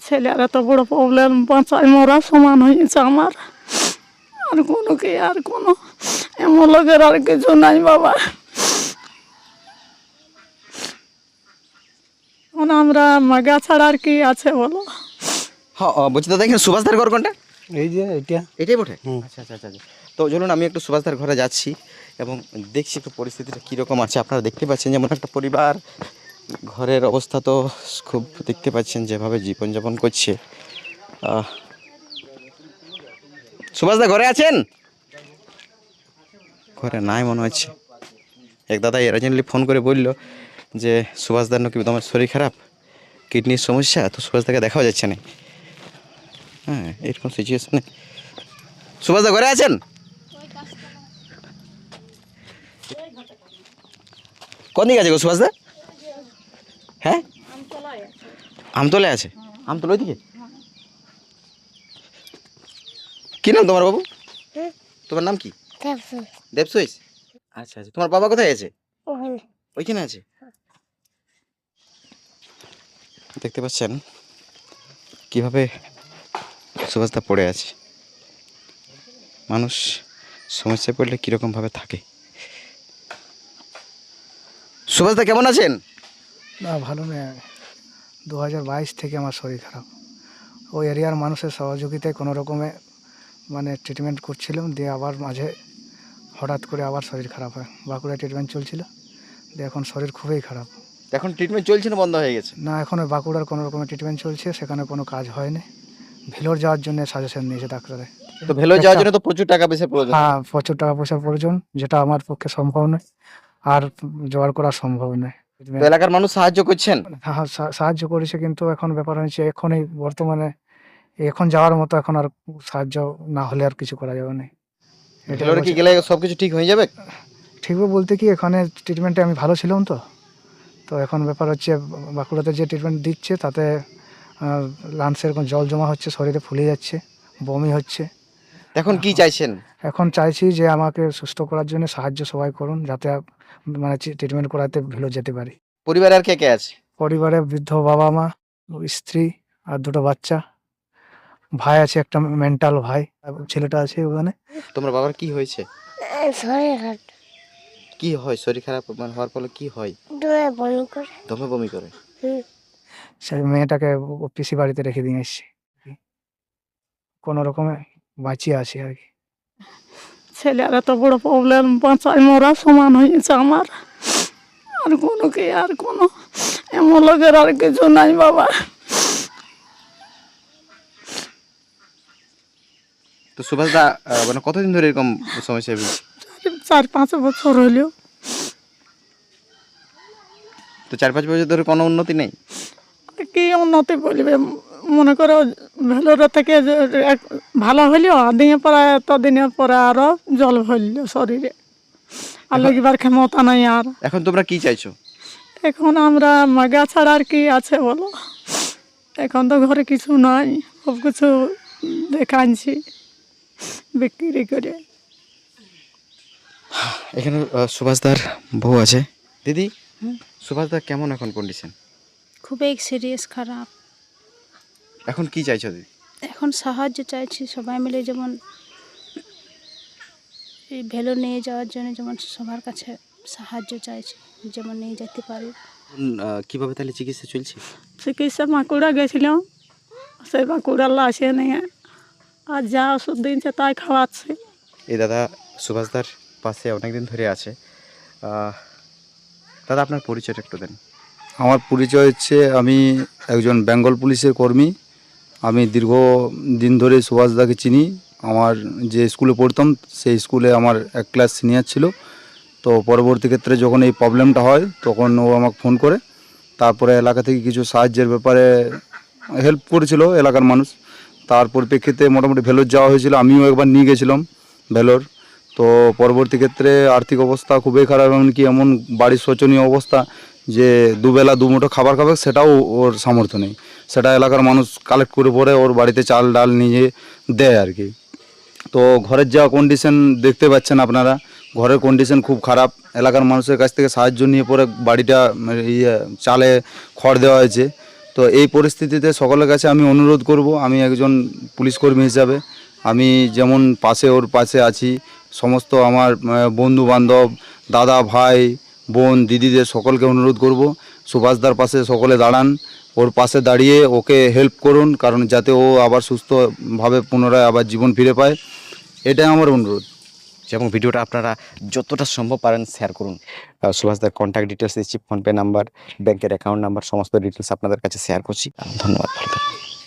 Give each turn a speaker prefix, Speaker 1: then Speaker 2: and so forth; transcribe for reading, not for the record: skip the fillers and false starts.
Speaker 1: ছেলের এত বড় প্রবলেম, বাঁচায় মরা সমান হয়েছে আমার। আর কোনো কি, আর কোনো এমন লোকের আর কিছু নাই বাবা। এখন আমরা মাগা ছাড়া আর কি আছে বলো?
Speaker 2: হ্যাঁ বলছি দাদা, এখানে সুভাষদার ঘর কোনটা?
Speaker 3: এই যে এটা
Speaker 2: এটাই বটে। আচ্ছা আচ্ছা আচ্ছা আচ্ছা। তো চলুন আমি একটু সুভাষদার ঘরে যাচ্ছি এবং দেখছি একটু পরিস্থিতিটা কীরকম আছে। আপনারা দেখতে পাচ্ছেন যেমন একটা পরিবার, ঘরের অবস্থা তো খুব দেখতে পাচ্ছেন যেভাবে জীবনযাপন করছে। সুভাষদা ঘরে আছেন? ঘরে নাই মনে হচ্ছে। এক দাদা এরাজেন্টলি ফোন করে বলল যে সুভাষদার নাকি তোমার শরীর খারাপ, কিডনির সমস্যা, তো সুভাষদাকে দেখাও যাচ্ছে না। হ্যাঁ, এরকম সিচুয়েশনে সুভাষদা ঘরে আছেন? কোন দিকে আছে গো সুভাষদা? হ্যাঁ, আমতলে আছে। আমতলা ওইদিকে? কি নাম তোমার বাবু? তোমার নাম কি? দেবসুইস। আচ্ছা আচ্ছা। তোমার বাবা কোথায় আছে? ওইখানে আছে। দেখতে পাচ্ছেন কিভাবে সুভাষদা পড়ে আছে। মানুষ সমস্যায় পড়লে কীরকমভাবে থাকে। সুভাষদা কেমন আছেন?
Speaker 3: না, ভালো নেই। 2022 থেকে আমার শরীর খারাপ। ওই এরিয়ার মানুষের সহযোগিতায় কোনো রকমে মানে ট্রিটমেন্ট করছিলাম, দিয়ে আবার মাঝে হঠাৎ করে আবার শরীর খারাপ হয়। বাঁকুড়ায় ট্রিটমেন্ট চলছিল, দিয়ে এখন শরীর খুবই খারাপ।
Speaker 2: এখন ট্রিটমেন্ট চলছে না বন্ধ হয়ে গেছে?
Speaker 3: না, এখন ওই বাঁকুড়ার কোনো রকমের ট্রিটমেন্ট চলছে, সেখানে কোনো কাজ হয়নি। ভেলোর যাওয়ার জন্য সাজেশন নিয়েছে ডাক্তারে।
Speaker 2: তো ভেলোর যাওয়ার জন্য তো প্রচুর টাকা পয়সা প্রয়োজন।
Speaker 3: হ্যাঁ, প্রচুর টাকা পয়সার প্রয়োজন, যেটা আমার পক্ষে সম্ভব নয়, আর জোগাড় করা সম্ভব নয়।
Speaker 2: তো এলাকার মানুষ সাহায্য করছেন?
Speaker 3: হ্যাঁ, সাহায্য করেছে, কিন্তু এখন ব্যাপার হচ্ছে এখন এই বর্তমানে এখন যাওয়ার মতো এখন আর সাহায্য না হলে আর কিছু করা যাবে না। এটা
Speaker 2: ভেলোরে কি গেলে সবকিছু ঠিক হয়ে যাবে?
Speaker 3: ঠিকই বলতে কি, এখানে ট্রিটমেন্টে আমি ভালো ছিলাম তো। তো এখন ব্যাপার হচ্ছে বাঁকুড়াতে যে ট্রিটমেন্ট দিচ্ছে তাতে লাংসে এরকম জল জমা হচ্ছে, শরীরে ফুলে যাচ্ছে, বমি হচ্ছে।
Speaker 2: এখন কি চাইছেন?
Speaker 3: এখন চাইছি যে আমাকে সুস্থ করার জন্য সাহায্য সবাই করুন, যাতে মানে ট্রিটমেন্ট করাতে ভেলো যেতে পারি।
Speaker 2: পরিবারে আর কে কে আছে?
Speaker 3: পরিবারে বৃদ্ধ বাবা মা, স্ত্রী আর দুটো বাচ্চা, ভাই আছে, একটা মেন্টাল ভাই, ছেলেটা আছে ওখানে।
Speaker 2: তোমার বাবার কি হয়েছে?
Speaker 4: শরীর খারাপ,
Speaker 2: কি হয় শরীর খারাপ মানে হওয়ার ফলে কি হয়?
Speaker 4: দমে বমি করে।
Speaker 2: দমে বমি করে?
Speaker 3: সেই মেয়েটাকে পিসি বাড়িতে রেখে দিয়ে এসছি, কোনো রকমে বাঁচিয়ে আছি আর কি।
Speaker 1: ছেলের এত বড় প্রবলেম, বাঁচায় মরা সমান হয়েছে আমার। আর কোনো কি, আর কোনো এমন লোকের আর কিছু নাই বাবা।
Speaker 2: তো সুভাষদা মানে কতদিন ধরে এরকম সমস্যায় ভুগছে?
Speaker 1: 4-5 বছর হইলেও।
Speaker 2: তো 4-5 বছর ধরে কোনো উন্নতি নেই?
Speaker 1: কি উন্নতি বলবে, মনে করো ভেলোরে থেকে ভালো হইলেও দিনের পরে দিনের পরে আরো জল হইল শরীরে, আর লগিবার ক্ষমতা নাই আর।
Speaker 2: এখন তোমরা কি চাইছো?
Speaker 1: এখন আমরা মাগা ছাড়া আর কি আছে বলো? এখন তো ঘরে কিছু নাই, সব কিছু দেখাচ্ছি বিক্রি করে।
Speaker 2: এখানে সুভাষদার বউ আছে। দিদি, সুভাষদার কেমন এখন কন্ডিশন?
Speaker 5: খুবই সিরিয়াস খারাপ।
Speaker 2: এখন কি চাইছো দিদি?
Speaker 5: এখন সাহায্য চাইছি সবাই মিলে, যেমন এই ভেলো নিয়ে যাওয়ার জন্য যেমন সবার কাছে সাহায্য চাইছি, যেমন নিয়ে যেতে পারি।
Speaker 2: কিভাবে তাহলে চিকিৎসা চলছে?
Speaker 1: চিকিৎসা বাঁকুড়া গেছিলাম, সেই বাঁকুড়ার আসে নিয়ে আর যা ওষুধ দিনছে তাই খাওয়াচ্ছে।
Speaker 2: এই দাদা সুভাষদার পাশে অনেকদিন ধরে আছে। দাদা আপনার পরিচয়টা একটু দেন।
Speaker 6: আমার পরিচয় হচ্ছে, আমি একজন বেঙ্গল পুলিশের কর্মী। আমি দীর্ঘদিন ধরে সুভাষদাকে চিনি। আমার যে স্কুলে পড়তাম সেই স্কুলে আমার এক ক্লাস সিনিয়র ছিল। তো পরবর্তী ক্ষেত্রে যখন এই প্রবলেমটা হয় তখন ও আমাকে ফোন করে, তারপরে এলাকা থেকে কিছু সাহায্যের ব্যাপারে হেল্প করেছিল এলাকার মানুষ। তার পরিপ্রেক্ষিতে মোটামুটি ভেলোর যাওয়া হয়েছিল, আমিও একবার নিয়ে গেছিলাম ভেলোর। তো পরবর্তী ক্ষেত্রে আর্থিক অবস্থা খুবই খারাপ, এমনকি এমন বাড়ির শোচনীয় অবস্থা যে দুবেলা দুমুঠো খাবার খাবে সেটাও ওর সামর্থ্য নেই। সেটা এলাকার মানুষ কালেক্ট করে পরে ওর বাড়িতে চাল ডাল নিয়ে দেয় আর কি। তো ঘরের যা কন্ডিশন দেখতে পাচ্ছেন আপনারা, ঘরের কন্ডিশন খুব খারাপ। এলাকার মানুষের কাছ থেকে সাহায্য নিয়ে পরে বাড়িটা চালে খড় দেওয়া হয়েছে। তো এই পরিস্থিতিতে সকলের কাছে আমি অনুরোধ করব, আমি একজন পুলিশ কর্মী হিসাবে আমি যেমন ওর পাশে আছি, সমস্ত আমার বন্ধু বান্ধব, দাদা ভাই বোন দিদিদের সকলকে অনুরোধ করব সুভাষদার পাশে সকলে দাঁড়ান, ওর পাশে দাঁড়িয়ে ওকে হেল্প করুন, কারণ যাতে ও আবার সুস্থভাবে পুনরায় আবার জীবন ফিরে পায়, এটাই আমার অনুরোধ।
Speaker 2: এবং ভিডিওটা আপনারা যতটা সম্ভব পারেন শেয়ার করুন। সুভাষদার কন্ট্যাক্ট ডিটেলস দিচ্ছি, ফোনপে নাম্বার, ব্যাংকের অ্যাকাউন্ট নাম্বার, সমস্ত ডিটেলস আপনাদের কাছে শেয়ার করছি। ধন্যবাদ, ভালো থাকবেন।